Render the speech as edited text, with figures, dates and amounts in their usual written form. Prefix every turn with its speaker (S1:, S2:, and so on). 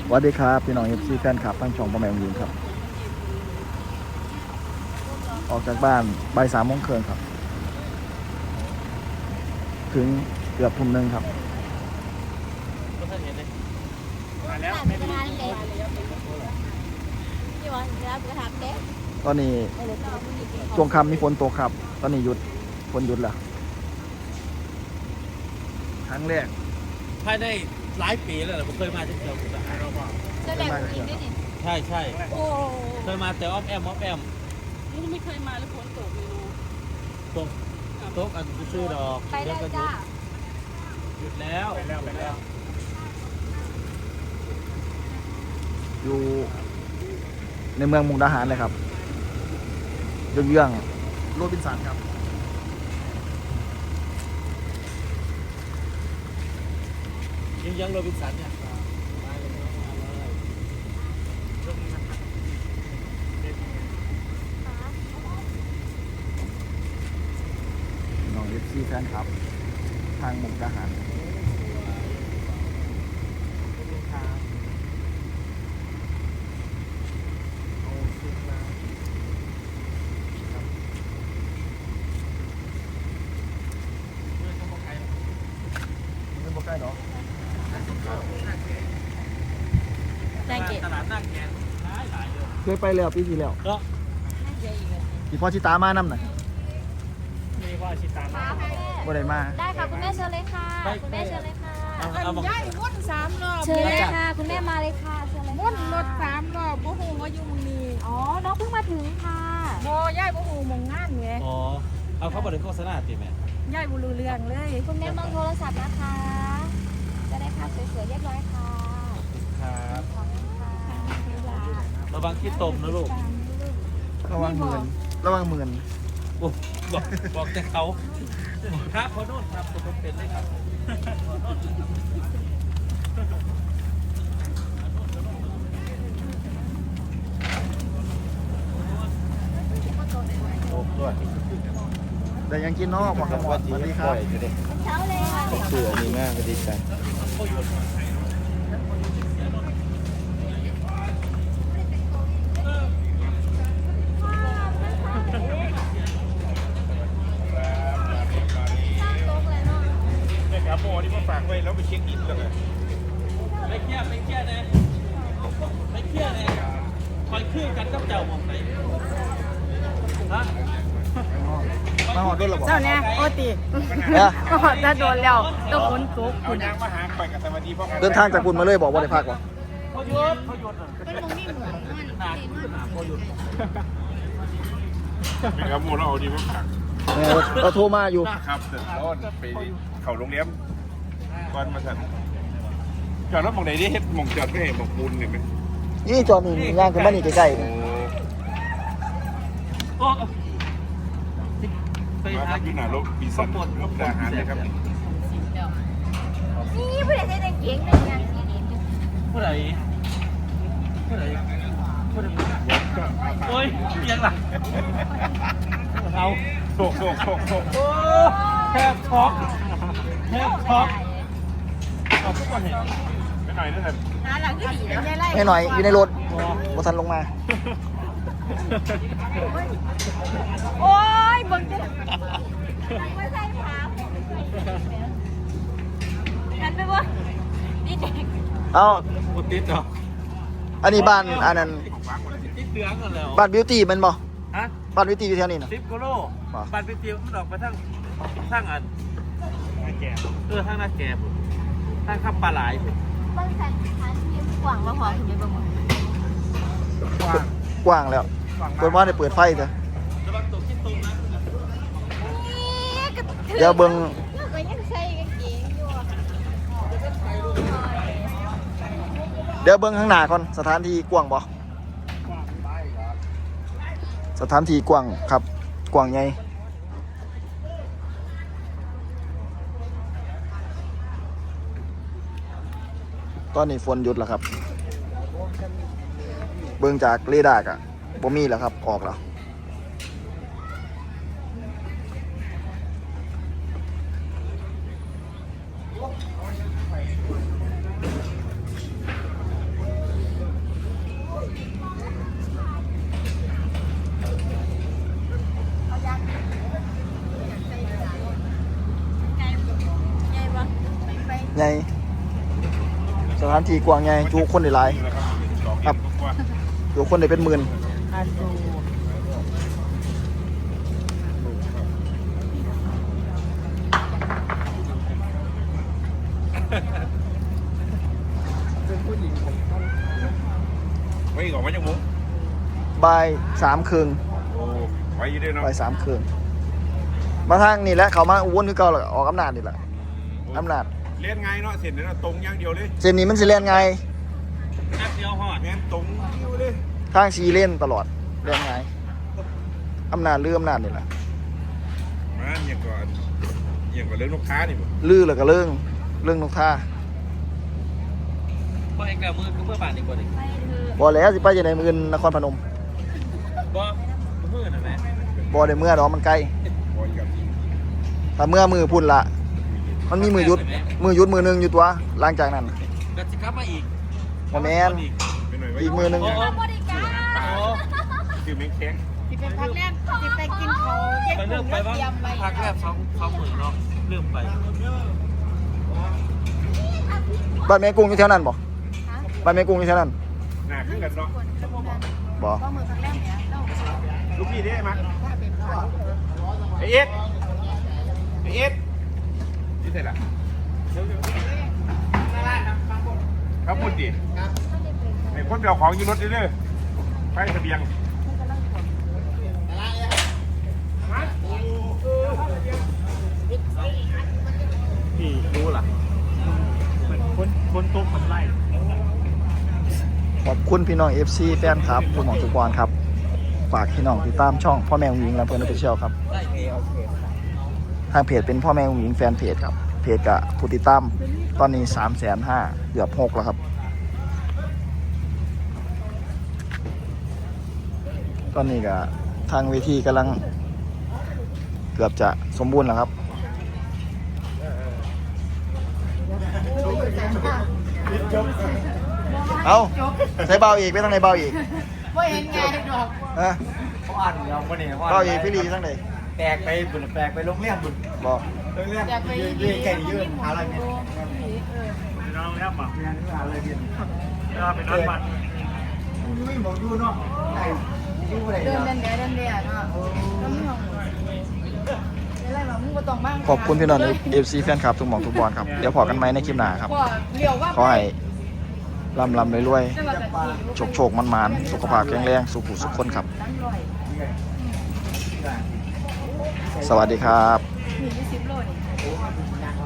S1: สวัสดีครับพี่น้องเอฟซีแฟนคลับทั้งช่องพ่อแม่ยิงครับออกจากบ้านบ่าย3 โมงครึ่งครับถึงเกือบทุ่มหนึ่งครับตอนนี้ช่วงค่ำมีฝนตกครับตอนนี้หยุดฝนหยุดแล้วครั้งแรก
S2: ภายในหลายปีแล้วผมเคยมาที่เชียงรายใช่ใช่เคยมาแต่อ้อมแอม
S3: นี่ไม่เคยมาแล้วฝนตกเลย
S2: ตกตกอันซื้อดอก
S3: ไปได้จ้า
S2: หยุดแล้ว
S1: อยู่ในเมืองมุกดาหารเลยครับเยื่องๆโรบินสันครับ
S2: ยังโรบินสันเนี่ย
S1: น้องเอฟซีแฟนครับทางมุกดาหารใกล้เนาะ
S2: ตลาดหน้าแกนหลายเลย
S1: เคยไปแล้วปีที่แล้ว
S2: ก็
S1: พี่พ่อชิตามาน้ำหน่อย
S2: มีพ่อชิตามา
S1: บ่ได้มา
S3: ได้ค่ะคุณแม่เชิญเลยค่ะคุณแม่เชิญเลยค่ะ
S4: ย่ายวน3 รอบ
S3: เชิญเลยค่ะคุณแม่มาเลยค่ะเชิญเลย
S4: วนรถ3 รอบบ่ฮู้ว่าอยู่มื้อนี้
S3: อ๋อน้องเพิ่งมาถึงค่ะ
S4: บ่ย่ายบ่ฮู้หม่องงานไง
S2: อ๋อเอาเขาบ่ได้โฆษณาติแม่
S4: ย่ายบ่รู้เรื่องเลย
S3: คุณแม่มองโทรศัพท์นะคะจะได้ภาพสวยๆเรียบร้อยค่ะ
S2: ครับระวังขี้ตมนะลูก
S1: ระวังหมื่น
S2: โอ้บอกแต่เขาครับพอโน่นครับผมเป็นเลยครับ
S1: แต่ยังกินนอกบอกครับสวัสดีครับ
S3: เช้าเลยค่ะ
S1: เสือนี่มากสวัสดีครับ
S5: โมนี่มาฝากไว้แล้วไปเช็คอินกันเลย
S2: ไม่เครียดนะคอยเครื่องกันกับเจ้ามองไหนฮะ
S1: มาหอดด้วยหรอ
S4: เจ้าเนี่ยโอติจะโดนแล้วต้องฝนตก
S5: คุณยังมาหาไปกับสวัสดีพ่อ
S1: เดินทางจากคุณมาเลยบอกว่าได้พักวะ
S2: พอหยุดเป็นตรงนี้เหมือนพอหยุด
S5: ไม่ครับโมเราเอาดีมาฝาก
S1: เราโทรมาอยู่
S5: ครับเดินต้นไปเขาโรงเรียนก่อนมาสั่นจอดรถมองไหนดิเฮ็ดมองจอดไม่เห็นมองปูนเห็นไหม
S1: นี่จอนี่ย่างขึ้นมานี่ใกล้ๆนี่
S5: ไปหาอยู่หน้ารถปีศาจรถทหารนะครับ
S3: นี่ผู้ใดใส่กางเกงเป็นยัง
S2: ผู้ใดโอ้ยยังหลังเอา
S5: โศก
S2: แทบช็อกเอาทุกคนเห็น
S5: ไม่หน่อยนะท่าน
S4: หลังที่ดีนะยายไล่
S1: ให้หน่อยอยู่ในรถบ่ทันลงมา
S4: โอ้ยเบิ่งดิไม่ใช่ถามนั่นไปบ่นี่เด็ก
S1: เอา
S2: ติดเหรอ
S1: อันนี้บ้านอันนั้น
S2: ติดเหลืองกันแล้ว
S1: บ้านบิวตี้มันบ่
S2: ฮะ
S1: บ้านบิวตี้อยู่แถวนี้นะ
S2: 10 กิโลบ้านบิวตี้มันออกไปทั้งอันนาแก่ทั้งนาแก่ทั้งขับปลาไหล
S3: บางแสนชั้นยิ้มกว่างมาหอมถึงได้บ้าง
S1: กว้างแล้วเปิดว่าได้เปิดไฟจ้ะ
S2: ระวังตกขี้ตุ่มนะ
S1: เดี๋ยวเบิ่ง
S3: ก็ยังใส่กางเกงอยู่
S1: เดี๋ยวเบิ่งข้างหน้าก่อนสถานที่กว้างบ่สถานที่กว้างครับกว้างใหญ่ตอนนี้ฝนหยุดแล้วครับเบิ่งจากเรดาร์อะบ่มีแล้วครับออกแล้ว
S5: เ
S1: ใหญ่สถานที่กว้างใหญ่จุคนได้หลายครับจุคนได้เป็นหมื่น
S4: อาซู
S5: ไว้อีกออกมาจากมุ้ง
S1: บ่ายสามครึ่ง
S5: โอ้ไว้อยี่ด้วยเนาะ
S1: บ่ายสามครึ่งมาทางนี่แหละเขามาอุบลคือเก่าแล้วออกอำนาจนี่แหละอำนาจ
S5: เล่นไงเนาะเสร็จแล้วตรงอย่างเดียวเลย
S1: เส้นนี้มันสิเล่นไง
S2: แป๊บเดียวหอด
S5: แม่นตรงเดียวเลย
S1: ทางสีเล่นตลอดเล่นไงอำนาจลืออำนาจนี่แหละ
S5: มาอย่างก่อนเรื่องลูกค้านี่บ่
S1: ลือแล้วก็เรื่องนกท่า
S2: เพื่อเองแล้วมือคือเพื่อบาทอีกคนหนึ่ง
S1: บ่แล้วสิไปจะในมือนนครพนม
S2: บ่มือน่ะแม่
S1: บ่ได้เมื่อดอกมันไกล
S5: บอยกับ
S1: แต่เมื่อมือพุ่นละมันมีมือหยุดมือหนึงอยู่ตัวหลังจากนั้น
S2: ก็จะกลับมาอีก
S1: บ่แม่น
S5: ไปหน่อยไว้
S1: อีกมือหนึง
S2: โอ้โห
S3: บริการ
S2: โอ้
S5: คือแมงแข้ง
S4: ที่เป็นพักแรกที่ไปกินเขาแยก
S2: ไป
S4: ก
S2: เริ่
S4: ลุ่
S2: ม
S4: ม
S2: ไป
S4: แล้ว
S2: บ้าง
S4: เตรียมไป
S2: พักแรกสองหมื่นเนาะเริ่มไป
S1: บ้านแม่กุ้งอยู่แถวนั้นบ่บ้านแม่กุ้งอยู่แถวนั้น
S5: หน้าขึ้นกันเนาะ
S1: บ่
S4: ก็มือพักแรกเนี่ยเรา
S5: ลูกพี่ได้มั้ย
S4: ถ้าเป็นพ่อ
S5: ไอเอ็ดนี่เสร็จละครับพูดดิไอ้คนเดียวของยืนรถเรื่อยๆไปเสบียง
S2: พี่รู้ล่ะคนตุ๊กมันไล่
S1: ขอบคุณพี่น้อง FC แฟนครับคุณหมอทุกวันครับฝากพี่น้องติดตามช่องพ่อแม่หญิงและเพื่อนออฟฟิเชียลครับ
S2: ได้โอเค
S1: ทางเพจเป็นพ่อแม่หญิงแฟนเพจครับเพจกับผู้ติดตามตอนนี้ 350,000เกือบ6แล้วครับตอนนี้ก็ทางเวทีกำลังเกือบจะสมบูรณ์แล้วครับเอาใส่เบาอีกไม่ต้องในเบาอีก
S4: ไม่เห็นไงดอก
S1: ฮะ
S6: เขาอ่านอยู่แล้ววันนี้
S1: เบาอีกพี่ลีทั้งไหน
S6: แปลกไปบุญแปลกไปโรงเรียนบุญ
S1: บอก
S6: โรงเรียน
S4: อยากไป
S6: เรียนแก่ยืนหาอะไรเนี่ย
S2: น้องแล้วป่ะ
S6: เรียนหาอะไรเรียน
S2: เป็นน้องมัน
S6: ไม่บอกอยู่เนาะไอ้อยู่อะไร
S4: เดิน
S6: เนาะ
S4: เดินเนาะแล้วไม่ห้องอะไรหรอมึงก็ต้องบ้าง
S1: ขอบคุณพี่น้อง FC แฟนคลับทุกหมองทุกบอลครับเดี๋ยวพอกันไหมในคลิปหน้าครับ
S4: เลี้ยวว่า
S1: ขอให้ร่ำรวย
S4: จังหวัดตะกี้
S1: โชคมันๆสุขภาพแข็งแรงสุขุสุขคนครับ
S4: นั่งลอย
S1: สวัสดีครับ
S4: มี20 โลนี่